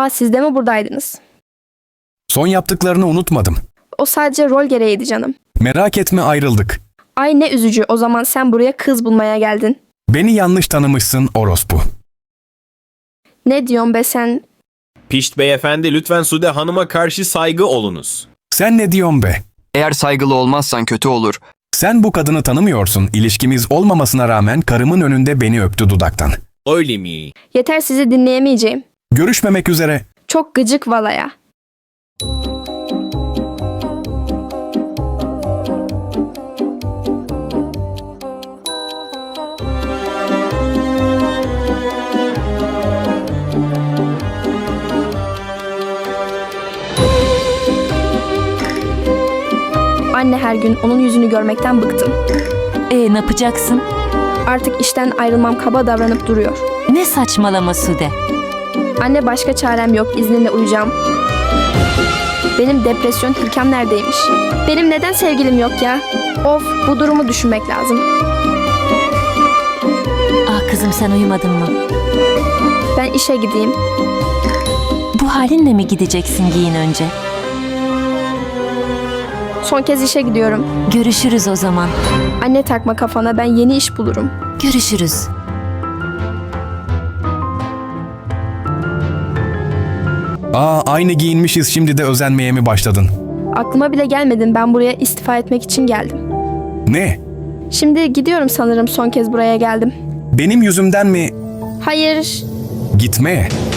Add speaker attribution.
Speaker 1: Aa, siz de mi buradaydınız?
Speaker 2: Son yaptıklarını unutmadım.
Speaker 1: O sadece rol gereğiydi canım.
Speaker 2: Merak etme, ayrıldık.
Speaker 1: Ay ne üzücü, o zaman sen buraya kız bulmaya geldin.
Speaker 2: Beni yanlış tanımışsın orospu.
Speaker 1: Ne diyorsun be sen?
Speaker 3: Pişt beyefendi, lütfen Sude Hanım'a karşı saygı olunuz.
Speaker 2: Sen ne diyorsun be?
Speaker 4: Eğer saygılı olmazsan kötü olur.
Speaker 2: Sen bu kadını tanımıyorsun. İlişkimiz olmamasına rağmen karımın önünde beni öptü dudaktan.
Speaker 3: Öyle mi?
Speaker 1: Yeter, sizi dinleyemeyeceğim.
Speaker 2: Görüşmemek üzere.
Speaker 1: Çok gıcık valaya. Anne, her gün onun yüzünü görmekten bıktım.
Speaker 5: Ne yapacaksın?
Speaker 1: Artık işten ayrılmam, kaba davranıp duruyor.
Speaker 5: Ne saçmalama Sude.
Speaker 1: Anne, başka çarem yok, izninle uyuyacağım. Benim depresyon Hürkem neredeymiş? Benim neden sevgilim yok ya? Of, bu durumu düşünmek lazım.
Speaker 5: Kızım, sen uyumadın mı?
Speaker 1: Ben işe gideyim.
Speaker 5: Bu halinle mi gideceksin, giyin önce?
Speaker 1: Son kez işe gidiyorum.
Speaker 5: Görüşürüz o zaman.
Speaker 1: Anne, takma kafana, ben yeni iş bulurum.
Speaker 5: Görüşürüz.
Speaker 2: Aynı giyinmişiz, şimdi de özenmeye mi başladın?
Speaker 1: Aklıma bile gelmedin, ben buraya istifa etmek için geldim.
Speaker 2: Ne?
Speaker 1: Şimdi gidiyorum sanırım, son kez buraya geldim.
Speaker 2: Benim yüzümden mi?
Speaker 1: Hayır,
Speaker 2: Gitme.